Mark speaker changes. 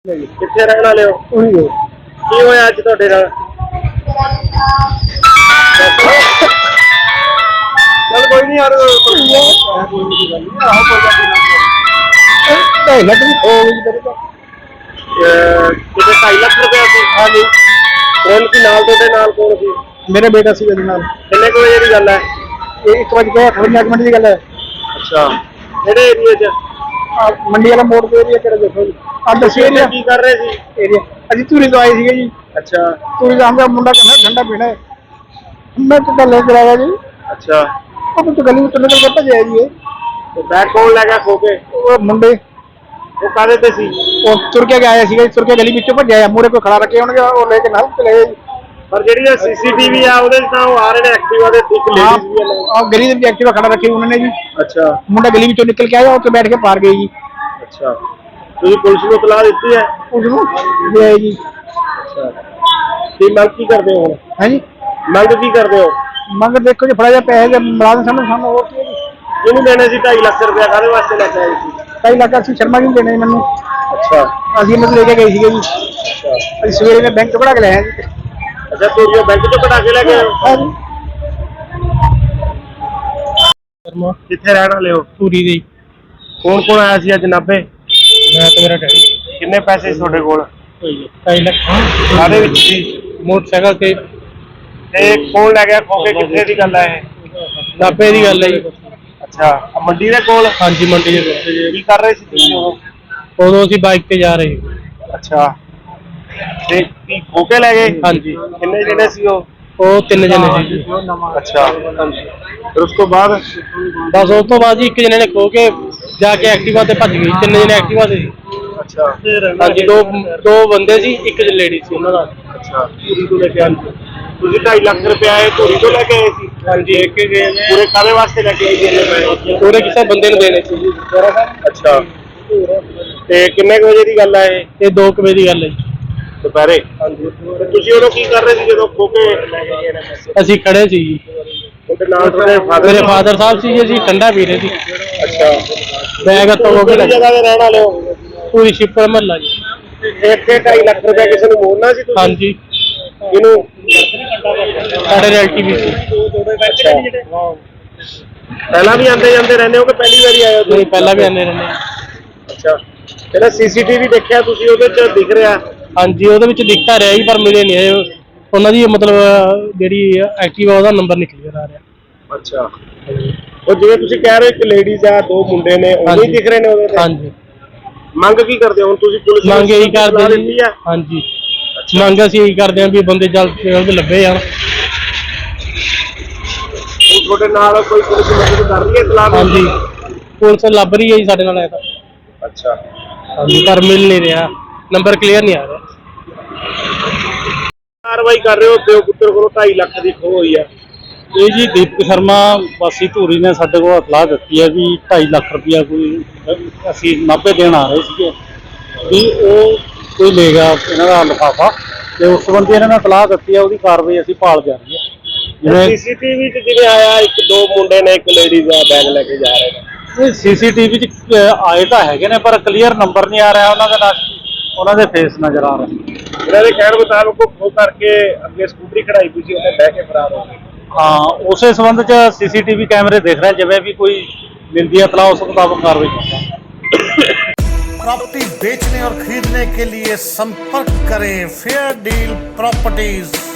Speaker 1: ਕਿੱਥੇ ਰਹਿਣ ਵਾਲੇ ਹੋ? ਕੀ ਹੋਇਆ ਅੱਜ ਤੁਹਾਡੇ ਨਾਲ? चल कोई नहीं यार, कितने 2.5 लाख रुपया सी? हाँ जी। कौन सी नाल तोड़े नाल कौन सी? मेरा बेटा सी वजह नाल। कितने को बजे दी गल है? 1:58 मिनट की गल है। अच्छा, केड़े एरिया च? मंडी वाला मोड़ पे एरिया केड़ा देखो जी। आप दस एरिया की कर रहे सी? एरिया अजी धूरी तो आए थे जी। अच्छा, धूरी का हमका मुंडा कहना ठंडा पीना है, मैं तो कल लेकर आया जी। अच्छा, अब तो गली में तो निकल के भजे जी। तो बैग कौन ले गया खो के? वो मुंडे वो कादे पे सी? वो तुर के आया सी, तुर के गली विचों भजया, मूरे कोई खड़ा रखे होणगे और लेके नाल चले गए। पर जेडी सीसीटीवी आ ਉਹਦੇ ਤਾਂ ਉਹ ਆ ਰਹੇ ਨੇ ਐਕਟਿਵਾ ਦੇ, ਇੱਕ ਲੇਡੀਜ਼ ਵੀ ਹੈ ਆ ਗਲੀ ਦੇ ਵਿੱਚ ਐਕਟਿਵਾ ਖੜਾ ਰੱਖੀ ਉਹਨਾਂ ਨੇ ਜੀ। ਅੱਛਾ, ਮੁੰਡਾ ਗਲੀ ਵਿੱਚੋਂ ਨਿਕਲ ਕੇ ਆਇਆ, ਉੱਥੇ ਬੈਠ ਕੇ ਪਾਰ ਗਏ ਜੀ। ਅੱਛਾ, ਤੁਸੀਂ ਪੁਲਿਸ ਨੂੰ ਇਤਲਾਹ ਦਿੱਤੀ ਹੈ? ਪੁਲਿਸ ਨੂੰ ਦੇ ਆਏ ਜੀ। ਅੱਛਾ, ਤੇ ਮੰਗ ਕੀ ਕਰਦੇ ਹੋ ਹੁਣ? ਹੈ ਜੀ, ਮੰਗ ਕੀ ਕਰਦੇ ਹੋ? ਮੰਗ ਦੇਖੋ ਜੀ, ਫੜਾ ਜਾ ਪੈਸੇ ਦੇ ਮੁਲਾਜ਼ਮ ਸਾਨੂੰ ਹੋਰ ਕੀ ਇਹਨੂੰ ਦੇਣੇ ਸੀ 2.5 ਲੱਖ ਰੁਪਇਆ, ਕਾਹਦੇ ਵਾਸਤੇ ਲੈ ਕੇ ਆਏ ਸੀ? 2.5 ਲੱਖ ਅਸੀਂ ਸ਼ਰਮਾ ਜੀ ਦੇਣੇ ਮੈਨੂੰ। ਅੱਛਾ, ਅਸੀਂ ਮੈਨੂੰ ਲੈ ਕੇ ਗਏ ਸੀਗੇ ਜੀ। ਅੱਛਾ, ਅਸੀਂ ਸਵੇਰੇ ਮੈਂ ਬੈਂਕ ਤੋਂ ਕਢਾ ਕੇ ਲੈ ਆਇਆ ਜੀ। ਅੱਛਾ, ਤੁਸੀਂ ਬੈਂਕ ਤੋਂ ਕਢਾ ਕੇ ਲੈ ਕੇ ਆਏ ਹੋ? ਹਾਂ ਜੀ। ਕਿੱਥੇ ਰਹਿਣ ਵਾਲੇ ਹੋ? ਧੂਰੀ ਦੇ। ਕੌਣ ਕੌਣ ਆਇਆ ਸੀ ਅੱਜ ਨਾਭੇ? ਮੈਂ ਤੇ ਮੇਰਾ ਡੈਡੀ। ਕਿੰਨੇ ਪੈਸੇ ਸੀ ਤੁਹਾਡੇ ਕੋਲ? 2.5 ਲੱਖ। ਕਾਹਦੇ ਵਿੱਚ ਸੀ? ਮੋਟਰਸਾਈਕਲ ਤੇ। ਤੇ ਕੌਣ ਲੈ ਗਿਆ ਖੋ ਕੇ? ਕਿੱਥੇ ਦੀ ਗੱਲ ਹੈ ਇਹ? ਨਾਭੇ ਦੀ ਗੱਲ ਹੈ ਜੀ। ਅੱਛਾ, ਮੰਡੀ ਦੇ ਕੋਲ? ਹਾਂਜੀ, ਮੰਡੀ ਦੇ ਕੋਲ। ਕੀ ਕਰ ਰਹੇ ਸੀ ਤੁਸੀਂ ਉਦੋਂ? ਅਸੀਂ ਬਾਈਕ ਤੇ ਜਾ ਰਹੇ। ਅੱਛਾ, ਤੇ ਕੀ ਖੋ ਕੇ ਲੈ ਗਏ? ਹਾਂਜੀ। ਕਿੰਨੇ ਜਣੇ ਸੀ ਉਹ? 3 ਜਣੇ ਸੀ। ਅੱਛਾ, ਫਿਰ ਉਸ ਤੋਂ ਬਾਅਦ? ਬਸ ਉਸ ਤੋਂ ਬਾਅਦ ਜੀ ਇੱਕ ਜਣੇ ਨੇ ਖੋ ਕੇ ਜਾ ਕੇ ਐਕਟਿਵਾ ਤੇ ਭੱਜ ਗਈ। 3 ਜਣੇ ਐਕਟਿਵਾ ਤੇ ਸੀ। ਅੱਛਾ, ਹਾਂਜੀ, ਦੋ ਬੰਦੇ ਸੀ, ਇੱਕ ਲੇਡੀ ਸੀ ਉਹਨਾਂ ਦਾ। ਅੱਛਾ, ਧੂਰੀ ਤੋਂ ਲੈ ਕੇ ਆਏ ਤੁਸੀਂ 2.5 ਲੱਖ ਰੁਪਇਆ ਇਹ ਧੂਰੀ ਤੋਂ ਲੈ ਕੇ ਆਏ ਸੀ? ਹਾਂਜੀ। ਪੂਰੇ ਕਾਹਦੇ ਵਾਸਤੇ ਲੈ ਕੇ ਆਏ ਸੀ? ਪੂਰੇ ਕਿਸੇ ਬੰਦੇ ਨੂੰ ਦੇਣੇ ਸੀ ਜੀ। ਅੱਛਾ, ਤੇ ਕਿੰਨੇ ਵਜੇ ਦੀ ਗੱਲ ਹੈ ਇਹ? 2 ਵਜੇ ਦੀ ਗੱਲ ਹੈ ਜੀ, ਦੁਪਹਿਰੇ। ਹਾਂਜੀ। ਤੁਸੀਂ ਉਦੋਂ ਕੀ ਕਰ ਰਹੇ ਸੀ ਜਦੋਂ ਖੋ ਕੇ ਲੈ ਕੇ ਗਏ ਨੇ ਪੈਸੇ? ਅਸੀਂ ਖੜੇ ਸੀ ਜੀ। ਉਹਦੇ ਨਾਲ ਮੇਰੇ ਫਾਦਰ ਸਾਹਿਬ ਸੀ ਜੀ, ਅਸੀਂ ਠੰਡਾ ਪੀ ਰਹੇ ਸੀ। ਅੱਛਾ, ਬੈਗ ਤੋਂ ਹੋ ਕੇ ਜਗ੍ਹਾ ਤੇ ਰਹਿਣ ਵਾਲੇ ਹੋ? ਪੂਰੀ ਸ਼ਿਪਰ ਮਹੱਲਾ ਜੀ। ਇੱਥੇ 2.5 ਲੱਖ ਰੁਪਇਆ ਕਿਸੇ ਨੂੰ ਮੋੜਨਾ ਸੀ ਤੁਸੀਂ? ਹਾਂਜੀ। ਇਹਨੂੰ ਸਾਡੇ ਰਿਲੇਟਿਵ ਸੀ। ਪਹਿਲਾਂ ਵੀ ਆਉਂਦੇ ਜਾਂਦੇ ਰਹਿੰਦੇ ਹੋ ਕਿ ਪਹਿਲੀ ਵਾਰੀ ਆਏ ਹੋ? ਨਹੀਂ, ਪਹਿਲਾਂ ਵੀ ਆਉਂਦੇ ਰਹਿੰਦੇ। ਅੱਛਾ, ਜਿਹੜਾ ਸੀਸੀਟੀਵੀ ਦੇਖਿਆ ਤੁਸੀਂ ਉਹਦੇ ਚ ਦਿਖ ਰਿਹਾ? ਹਾਂਜੀ, ਉਹਦੇ ਵਿੱਚ ਦਿਖਦਾ ਰਿਹਾ ਜੀ, ਪਰ ਮਿਲੇ ਨਹੀਂ ਉਹਨਾਂ ਦੀ, ਮਤਲਬ ਜਿਹੜੀ ਐਕਟਿਵਾ ਉਹਦਾ ਨੰਬਰ ਨਹੀਂ ਕਲੀਅਰ ਆ ਰਿਹਾ। ਅੱਛਾ, ਉਹ ਜਿਵੇਂ ਤੁਸੀਂ ਕਹਿ ਰਹੇ ਇੱਕ ਲੇਡੀਜ਼ ਆ, 2 ਮੁੰਡੇ ਨੇ, ਉਹ ਹੀ ਦਿਖ ਰਹੇ ਨੇ ਉਹਦੇ ਤੇ? ਹਾਂਜੀ। ਮੰਗ ਕੀ ਕਰਦੇ ਹੋ ਹੁਣ ਤੁਸੀਂ? ਪੁਲਿਸ ਮੰਗ ਇਹੀ ਕਰਦੇ ਜੀ। ਹਾਂਜੀ, ਮੰਗ ਅਸੀਂ ਇਹੀ ਕਰਦੇ ਹਾਂ ਵੀ ਬੰਦੇ ਜਲਦ ਲੱਭੇ ਜਾਣ। ਤੁਹਾਡੇ ਨਾਲ ਕੋਈ ਪੁਲਿਸ ਮਦਦ ਕਰ ਰਹੀ ਹੈ? ਇਤਲਾਹ? ਹਾਂਜੀ, ਪੁਲਿਸ ਲੱਭ ਰਹੀ ਹੈ ਜੀ ਸਾਡੇ ਨਾਲ। ਤਾਂ ਅੱਛਾ, ਹਾਂਜੀ, ਪਰ ਮਿਲ ਨਹੀਂ ਰਿਹਾ, ਨੰਬਰ ਕਲੀਅਰ ਨਹੀਂ ਆ ਰਿਹਾ। ਕਾਰਵਾਈ ਕਰ ਰਹੇ ਹੋ? ਪਿਓ ਪੁੱਤਰ ਕੋਲੋਂ 2.5 ਲੱਖ ਦੀ ਖੋਹ ਹੋਈ ਹੈ। ਇਹ ਜੀ ਦੀਪਕ ਸ਼ਰਮਾ ਵਾਸੀ ਧੂਰੀ ਨੇ ਸਾਡੇ ਕੋਲ ਇਤਲਾਹ ਦਿੱਤੀ ਹੈ ਵੀ 2.5 ਲੱਖ ਰੁਪਇਆ ਕੋਈ ਅਸੀਂ ਨਾਭੇ ਦੇਣ ਆ ਰਹੇ ਸੀਗੇ, ਵੀ ਉਹ ਕੋਈ ਲੈ ਗਿਆ ਇਹਨਾਂ ਦਾ ਲਿਫਾਫਾ, ਤੇ ਉਸ ਸੰਬੰਧੀ ਇਹਨਾਂ ਨੇ ਇਤਲਾਹ ਦਿੱਤੀ ਹੈ। ਉਹਦੀ ਕਾਰਵਾਈ ਅਸੀਂ ਭਾਲ ਜਾਰੀ ਹੈ। ਜਿਵੇਂ ਸੀਸੀਟੀਵੀ 'ਚ ਜਿਵੇਂ ਆਇਆ, 1-2 ਮੁੰਡੇ ਨੇ, ਇੱਕ ਲੇਡੀਜ਼ ਆ, ਬੈਗ ਲੈ ਕੇ ਜਾ ਰਹੇ ਨੇ। ਇਹ ਸੀਸੀਟੀਵੀ 'ਚ ਆਏ ਤਾਂ ਹੈਗੇ ਨੇ, ਪਰ ਕਲੀਅਰ ਨੰਬਰ ਨਹੀਂ ਆ ਰਿਹਾ ਉਹਨਾਂ ਦਾ, ਉਹਨਾਂ ਦੇ ਫੇਸ ਨਜ਼ਰ ਆ ਰਹੇ। ਇਹਨਾਂ ਦੇ ਕਹਿਣ ਮੁਤਾਬਕ ਉਹ ਕਰਕੇ ਅੱਗੇ ਸਕੂਟਰੀ ਖੜਾਈ ਹੋਈ ਸੀ, ਉਹਨੇ ਬਹਿ ਕੇ ਫਰਾਰ ਹੋ ਗਏ। हाँ, उसे संबंध च सीसीटीवी कैमरे देख रहे हैं, जब भी कोई मिलती है इत्तला उस मुताबिक कार्रवाई करता है।
Speaker 2: प्रॉपर्टी बेचने और खरीदने के लिए संपर्क करें फेयर डील प्रॉपर्टीज।